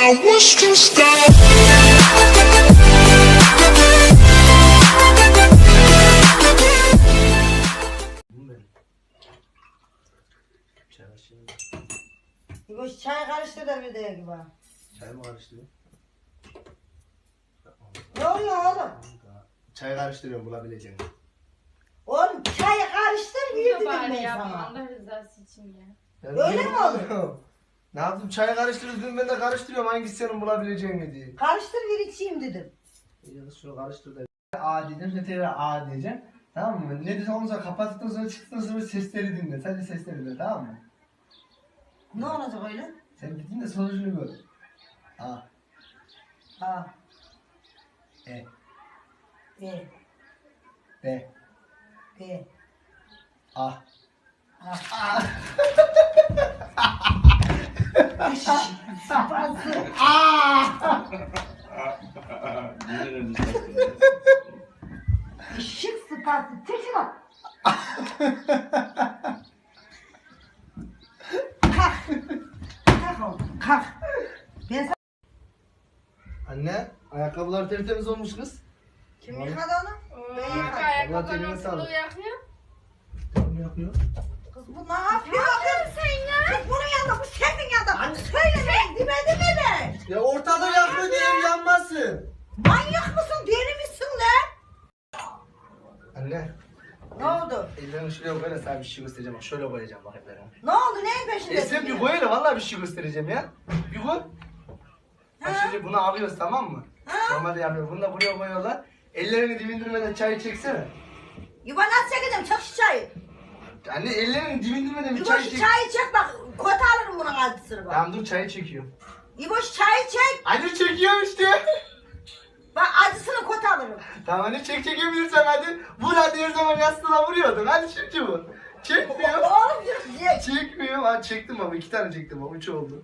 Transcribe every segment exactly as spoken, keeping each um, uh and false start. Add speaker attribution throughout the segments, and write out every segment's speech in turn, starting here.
Speaker 1: I wish to stop.
Speaker 2: Bu çay karıştır da bir de gibi.
Speaker 3: Çay mı karıştırıyor?
Speaker 2: Ne oluyor oğlum?
Speaker 3: Çay karıştırıyorum bulabileceğim.
Speaker 2: Oğlum çayı karıştır bir
Speaker 4: Yok
Speaker 2: dedim
Speaker 4: bari
Speaker 2: ben
Speaker 4: yapma
Speaker 2: sana.
Speaker 4: Allah rızası için ya.
Speaker 2: Öyle mi olur?
Speaker 3: Ne yaptım? Çayı karıştırdım ben de karıştırıyorum hangisi senin bulabileceğini diye.
Speaker 2: Karıştır bir içeyim dedim.
Speaker 3: Ya şunu karıştır da. A diyeceğim sen tekrar A diyeceksin. Tamam mı? Ne desem onu sonra kapattıktan sonra çıktıktan sonra sesleri dinle. Sadece sesleri dinle tamam mı?
Speaker 2: Ne olacak öyle?
Speaker 3: Sen dediğin de sonucunu gör. A.
Speaker 2: Ha.
Speaker 3: E.
Speaker 2: E.
Speaker 3: B.
Speaker 2: E.
Speaker 3: A.
Speaker 2: Ha. Sıpası. Işık sıpası. Tek bak. Kalk. Kalk oğlum. Kalk. Ben sana...
Speaker 3: Anne, ayakkabılar tertemiz olmuş kız.
Speaker 2: Kim yıkadı onu? Ben
Speaker 4: Bak
Speaker 2: yıkadım.
Speaker 4: ayakkabıların
Speaker 3: eline sağlık.
Speaker 4: ortalığı yakıyor.
Speaker 3: Tamam yapıyor.
Speaker 2: Kız bu ne yapıyor? Ne yapıyorsun sen ya? Kız bunun yanında, bu senin yanında. Söyle ben, demedi mi ben?
Speaker 3: Ya ortada yakma diye yanmasın.
Speaker 2: Manyak mısın? Deli misin lan?
Speaker 3: Anne,
Speaker 2: Ne oldu?
Speaker 3: ellerini şuraya koy da sana bir şey göstereceğim. Bak şöyle koyacağım bak ellerine.
Speaker 2: Ne oldu? Neyin peşindesin?
Speaker 3: E sen bir
Speaker 2: ya?
Speaker 3: koy hele vallahi bir şey göstereceğim ya. Bir koy. Bak
Speaker 2: Ha?
Speaker 3: şimdi bunu alıyoruz tamam mı?
Speaker 2: Ha?
Speaker 3: Normalde yapıyoruz. Bunu da buraya koyuyorlar. Ellerini dibindirmeden çay çeksene.
Speaker 2: Yuva nasıl çekeceğim? Çek şu çayı.
Speaker 3: Anne ellerini dibindirmeden bir
Speaker 2: İbo
Speaker 3: çay
Speaker 2: şu
Speaker 3: çek.
Speaker 2: çayı çek bak. Kota alırım bunun altısını bak.
Speaker 3: Tamam dur çayı çekiyorum.
Speaker 2: İbo şu çayı çek.
Speaker 3: Anne çekiyorum işte.
Speaker 2: Bak acısını kota alırım.
Speaker 3: Tamam anne çek çekebilirsen hadi. Vur hadi her zaman yastığına vuruyordun. Hadi şimdi vur. Çekmiyor.
Speaker 2: Oğlum dur diye.
Speaker 3: Çekmiyor. Hadi çektim baba. iki tane çektim baba. Üç oldu.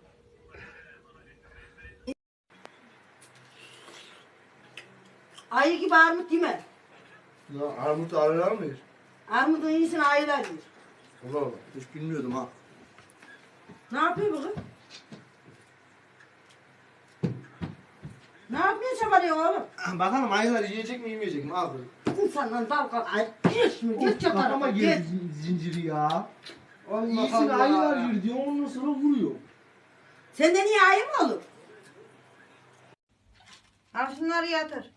Speaker 2: Ayı gibi armut yeme.
Speaker 3: Ya armut ağrılar mı?
Speaker 2: Armudun iyisini ayılar yer.
Speaker 3: Allah Allah. Hiç bilmiyordum ha.
Speaker 2: Ne yapıyor bu kız? Ne yapıyorsun çabalıyor oğlum?
Speaker 3: Bakalım ayılar yiyecek mi yemeyecek mi abi?
Speaker 2: İnsandan dalga ay geç mi? Geç ya
Speaker 3: Kafama
Speaker 2: tarafa
Speaker 3: girdi
Speaker 2: geç.
Speaker 3: zin- zinciri ya.
Speaker 2: Allah
Speaker 3: İyisini
Speaker 2: Allah.
Speaker 3: ayılar yiyor diyor ondan sonra vuruyor.
Speaker 2: Senden iyi ayı mı olur? Al şunları yatır.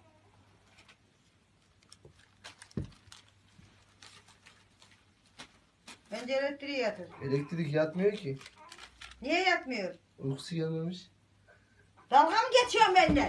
Speaker 2: Bence elektriği yatır.
Speaker 3: Elektrik yatmıyor ki.
Speaker 2: Niye yatmıyor?
Speaker 3: Uykusu gelmemiş.
Speaker 2: Dalga mı geçiyorsun benimle?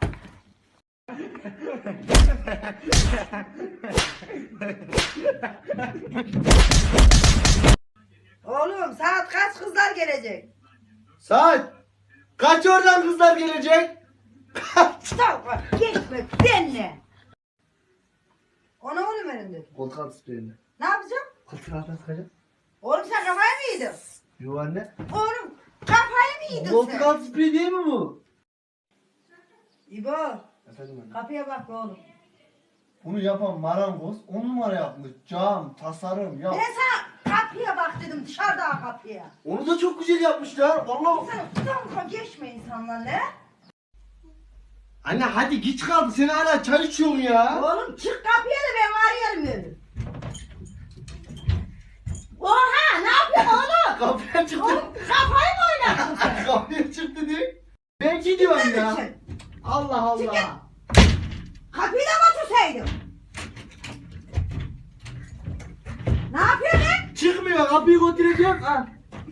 Speaker 2: Oğlum saat kaç kızlar gelecek?
Speaker 3: Saat! Kaç oradan kızlar gelecek?
Speaker 2: Dalga geçme benimle. O ne oğlum elinde?
Speaker 3: Koltuk altı spreyini.
Speaker 2: Ne yapacağım?
Speaker 3: Koltuk altına sıkacağım.
Speaker 2: Oğlum sen kafayı mı yedin?
Speaker 3: Yo anne.
Speaker 2: Oğlum kafayı mı yedin
Speaker 3: Koltuk
Speaker 2: sen?
Speaker 3: altı spreyi değil mi bu?
Speaker 2: İbo
Speaker 3: Efendim anne.
Speaker 2: kapıya bak be oğlum.
Speaker 3: Bunu yapan marangoz on numara yapmış. Cam, tasarım ya.
Speaker 2: Ben sana kapıya bak dedim dışarıda kapıya.
Speaker 3: Onu da çok güzel yapmışlar. Vallahi.
Speaker 2: Sen dalga geçme insanlarla.
Speaker 3: Anne hadi geç kaldı. Sen hala çay içiyorsun ya.
Speaker 2: Oğlum çık kapıya da ben arıyorum öyle. Oha ne yapıyorsun oğlum?
Speaker 3: Kapıya çıktı.
Speaker 2: Oğlum kafayı mı oynadın sen?
Speaker 3: Kapıya çıktı diye. Ben gidiyorum ya.
Speaker 2: Sen
Speaker 3: Allah Allah.
Speaker 2: Çık git. kapıyı da mı otursaydın? Ne yapıyorsun lan?
Speaker 3: Çıkmıyor. Kapıyı götüreceğim. Ha.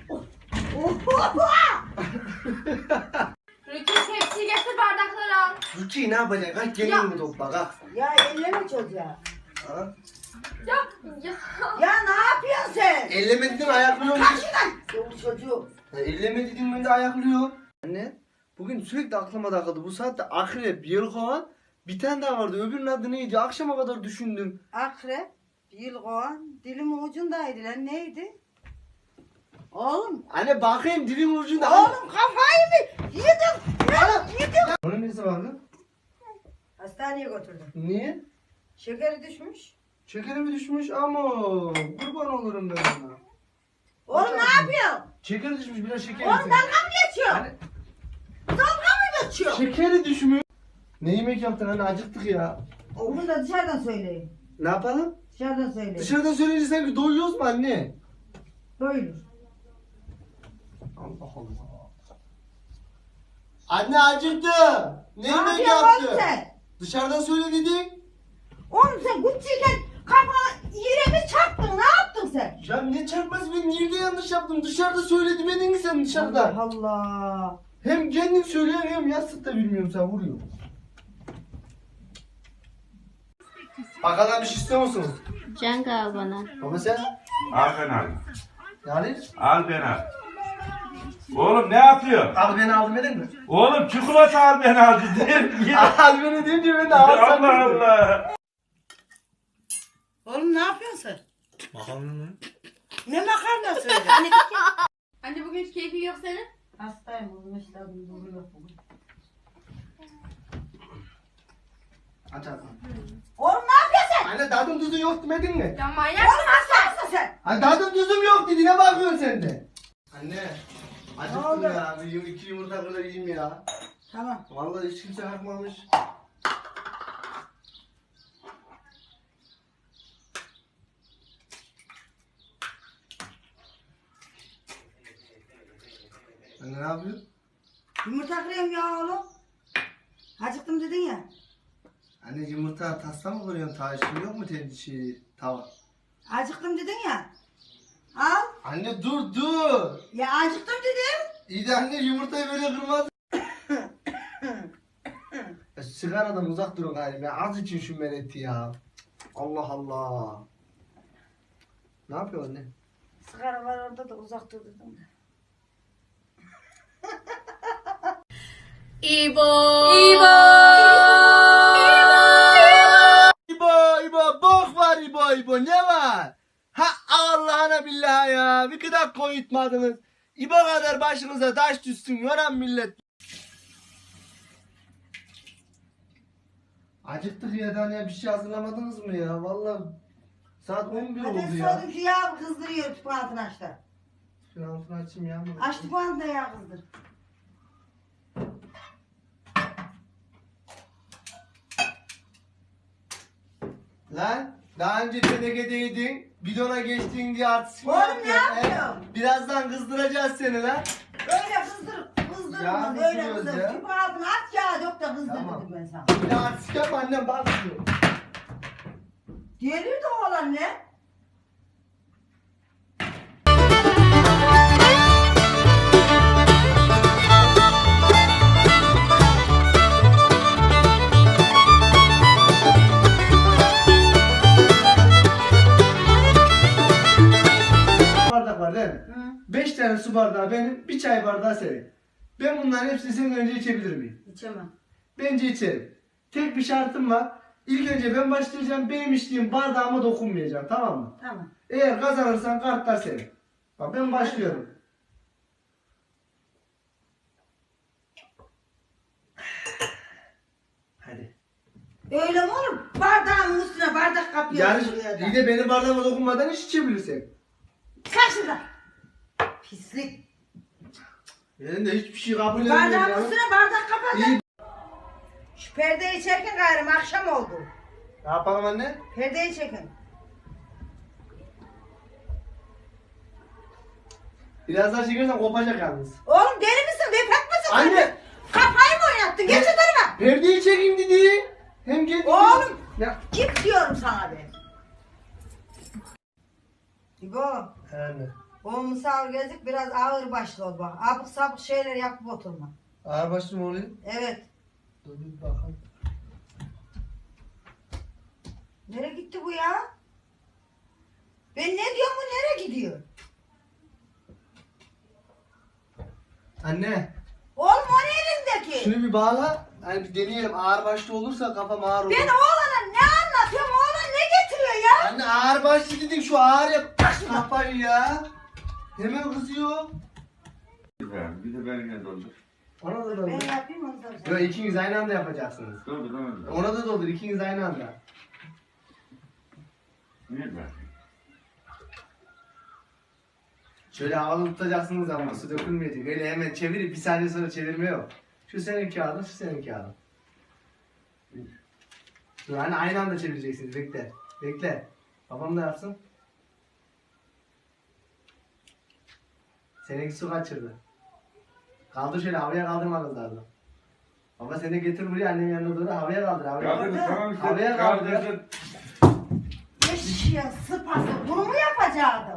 Speaker 2: Oha!
Speaker 4: Rütü tepsi getir bardakları al.
Speaker 3: Rukiye ne yapacak? Kalk
Speaker 4: Ya.
Speaker 3: gelin mi topla kalk.
Speaker 2: Ya elleme çocuğa.
Speaker 3: Ha?
Speaker 4: Ya ya.
Speaker 2: Ya ne yapıyorsun sen?
Speaker 3: Elleme dedin ayaklıyor.
Speaker 2: Kaç şuradan. Yok çocuğu.
Speaker 3: Ya elleme dedin ben de ayaklıyor. Anne bugün sürekli aklıma takıldı. Bu saatte akrep, yelkovan bir tane daha vardı. Öbürünün adı neydi? Akşama kadar düşündüm.
Speaker 2: Akrep, yılgoğan, dilimin ucundaydı lan neydi? Oğlum,
Speaker 3: Anne bakayım dilin ucunda.
Speaker 2: oğlum kafayı mı yedin? Ya, yedin.
Speaker 3: Onun nesi vardı?
Speaker 2: Hastaneye götürdüm.
Speaker 3: Niye?
Speaker 2: Şekeri düşmüş.
Speaker 3: Şekeri mi düşmüş ama kurban olurum ben ona.
Speaker 2: Oğlum ne yapıyorsun?
Speaker 3: Şeker düşmüş biraz şeker.
Speaker 2: Oğlum
Speaker 3: yesin.
Speaker 2: dalga mı geçiyorsun?
Speaker 3: Anne,
Speaker 2: Dalga mı
Speaker 3: şekeri düşmüş. Ne yemek yaptın anne, acıktık ya.
Speaker 2: Onu da dışarıdan söyleyin.
Speaker 3: Ne yapalım?
Speaker 2: Dışarıdan söyleyin.
Speaker 3: Dışarıdan söyleyince sanki doyuyoruz mu anne?
Speaker 2: Doyulur.
Speaker 3: Allah Allah. Anne acıktım. Ne
Speaker 2: Ne
Speaker 3: yemek
Speaker 2: yapıyorsun oğlum
Speaker 3: yaptın?
Speaker 2: sen?
Speaker 3: Dışarıdan söyle dedin.
Speaker 2: Oğlum sen Gucci'yken kafana yere mi çarptın? Ne yaptın sen?
Speaker 3: Ya ne çarpmaz, ben nerede yanlış yaptım? Dışarıda söyle demedin mi sen dışarıda?
Speaker 2: Allah Allah.
Speaker 3: Hem kendin söylüyorsun hem yastık da bilmiyorum, sen vuruyorsun. Bakalım bir şey istiyor musunuz?
Speaker 4: Cenk al bana.
Speaker 3: Baba sen?
Speaker 1: Al ben al.
Speaker 3: Yani?
Speaker 1: Al ben al. Oğlum ne yapıyor?
Speaker 3: Al beni aldım edin mi?
Speaker 1: Oğlum çikolata al ben al dedim.
Speaker 3: Al beni deyince ben de alsam.
Speaker 1: Allah Allah.
Speaker 2: Oğlum ne yapıyorsun sen?
Speaker 3: Bakalım mı?
Speaker 2: Ne makarnası öyle?
Speaker 4: Anne bugün hiç keyfin yok senin.
Speaker 2: Hastayım oğlum, işte doğru yok bugün.
Speaker 3: Aç aç.
Speaker 2: Oğlum ne yapıyorsun sen?
Speaker 3: Anne tadım tuzun yok demedin mi?
Speaker 4: Ya manyak
Speaker 2: Oğlum hasta mısın sen?
Speaker 3: Anne tadım tuzum yok dedi, ne bakıyorsun sen de? Anne.
Speaker 2: Ne
Speaker 3: Acıktım
Speaker 2: oldu?
Speaker 3: ya. Bir yum- iki yumurta kadar yiyeyim ya.
Speaker 2: Tamam.
Speaker 3: Vallahi hiç kimse kalkmamış. Anne ne yapıyorsun?
Speaker 2: Yumurta kırıyorum ya oğlum. Acıktım dedin ya.
Speaker 3: Anne yumurta tasla mı koyuyorsun? Taşın yok mu tendi şey, tava?
Speaker 2: Acıktım dedin ya. Al.
Speaker 3: Anne dur dur.
Speaker 2: Ya acıktım dedim.
Speaker 3: İyi de anne yumurtayı böyle kırmaz. Ya sigaradan uzak durun galiba. Ya az için şu meleti ya. Allah Allah. Ne yapıyor anne?
Speaker 2: Sigara var orada da uzak dur dedim de.
Speaker 4: İbo. İbo.
Speaker 3: İbo İbo bok var İbo İbo, ne var? Ha Allah'ına billahi ya, bir kadar koyutmadınız. İbo kadar başınıza taş düşsün yoran millet. Acıktık ya, daha ne bir şey hazırlamadınız mı ya? Vallahi saat on bir oldu
Speaker 2: Hadi
Speaker 3: ya.
Speaker 2: sordum şu yağ kızdırıyor tüpü altını aç da.
Speaker 3: Şunu altını açayım ya.
Speaker 2: Aç tüpü altına yağ kızdır.
Speaker 3: Lan daha önce tenekedeydin, bidona geçtin diye artistik mi
Speaker 2: Oğlum,
Speaker 3: yapıyorsun,
Speaker 2: ne
Speaker 3: he?
Speaker 2: yapıyorum?
Speaker 3: Birazdan kızdıracağız seni lan.
Speaker 2: Öyle kızdır, kızdır,
Speaker 3: Yağ
Speaker 2: kızdır, öyle
Speaker 3: kızdırıyoruz
Speaker 2: kızdır.
Speaker 3: ya.
Speaker 2: Tüpü altına aç yağ dök de kızdır
Speaker 3: Tamam.
Speaker 2: dedim ben sana.
Speaker 3: Bir de artistik yapma annem, bakmıyor.
Speaker 2: Gelir de oğlan ne?
Speaker 3: Bardak var değil mi?
Speaker 2: Hı.
Speaker 3: Beş tane su bardağı benim, bir çay bardağı senin. Ben bunların hepsini senin önce içebilir miyim?
Speaker 2: İçemem.
Speaker 3: Bence içerim. Tek bir şartım var. İlk önce ben başlayacağım, benim içtiğim bardağıma dokunmayacağım, tamam mı?
Speaker 2: Tamam.
Speaker 3: Eğer kazanırsan kartlar senin. Bak ben başlıyorum. Hadi.
Speaker 2: Öyle mi olur? Bardağın üstüne bardak kapıyor.
Speaker 3: Yani
Speaker 2: şuraya da.
Speaker 3: iyi de benim bardağıma dokunmadan hiç içebilirsin.
Speaker 2: Sen şurada. Pislik.
Speaker 3: Benim de hiçbir şey kabul etmiyorum
Speaker 2: Bardağın
Speaker 3: ya.
Speaker 2: üstüne bardak kapat.
Speaker 3: İyi.
Speaker 2: Şu perdeyi çekin gayrım, akşam oldu.
Speaker 3: Ne yapalım anne?
Speaker 2: Perdeyi çekin.
Speaker 3: Biraz daha çekersen kopacak yalnız.
Speaker 2: Oğlum deli misin? Vefat mısın?
Speaker 3: Anne!
Speaker 2: Kafayı mı oynattın? Geç o tarafa.
Speaker 3: Perdeyi çekeyim dedi. Hem gel.
Speaker 2: Oğlum!
Speaker 3: Ya.
Speaker 2: Git diyorum sana be. İbo,
Speaker 3: Anne.
Speaker 2: o misafir gelecek, biraz ağır başlı ol bak. Abuk sabuk şeyler yapıp oturma.
Speaker 3: Ağır başlı mı oluyor?
Speaker 2: Evet.
Speaker 3: Dur bir bakalım.
Speaker 2: Nereye gitti bu ya? Ben ne diyorum, bu nereye gidiyor?
Speaker 3: Anne.
Speaker 2: Oğlum o ne elindeki?
Speaker 3: Şunu bir bağla. Hani bir deneyelim. Ağır başlı olursa kafam ağır olur.
Speaker 2: Ben oğlana ne anlatıyorum? Oğlan ne getiriyor ya?
Speaker 3: Anne ağır başlı dedik, şu ağır yap. Kafayı ya. Hemen kızıyor.
Speaker 1: Bir de benimle doldur.
Speaker 3: Ona da
Speaker 2: Ben
Speaker 3: doldur.
Speaker 2: yapayım onu da.
Speaker 3: Yok, ikiniz aynı anda yapacaksınız.
Speaker 1: Doldur onu da.
Speaker 3: Ona da doldur, ikiniz aynı anda.
Speaker 1: Niye ben?
Speaker 3: Şöyle havalı tutacaksınız ama su dökülmeyecek. Öyle hemen çevirip bir saniye sonra çevirme yok. Şu senin kağıdın, şu senin kağıdın. Dur hani aynı anda çevireceksiniz. Bekle. Bekle. Babam da yapsın. Seninki su kaçırdı. Kaldır şöyle havaya kaldırmanız lazım. Baba seni de getir buraya annemin yanına doğru havaya kaldır. Havaya
Speaker 1: Kaldırın
Speaker 3: kaldır.
Speaker 1: tamam işte.
Speaker 3: Havaya kaldır.
Speaker 1: Kaldırın.
Speaker 2: Eşya sıpası. Bunu mu yapacaktın?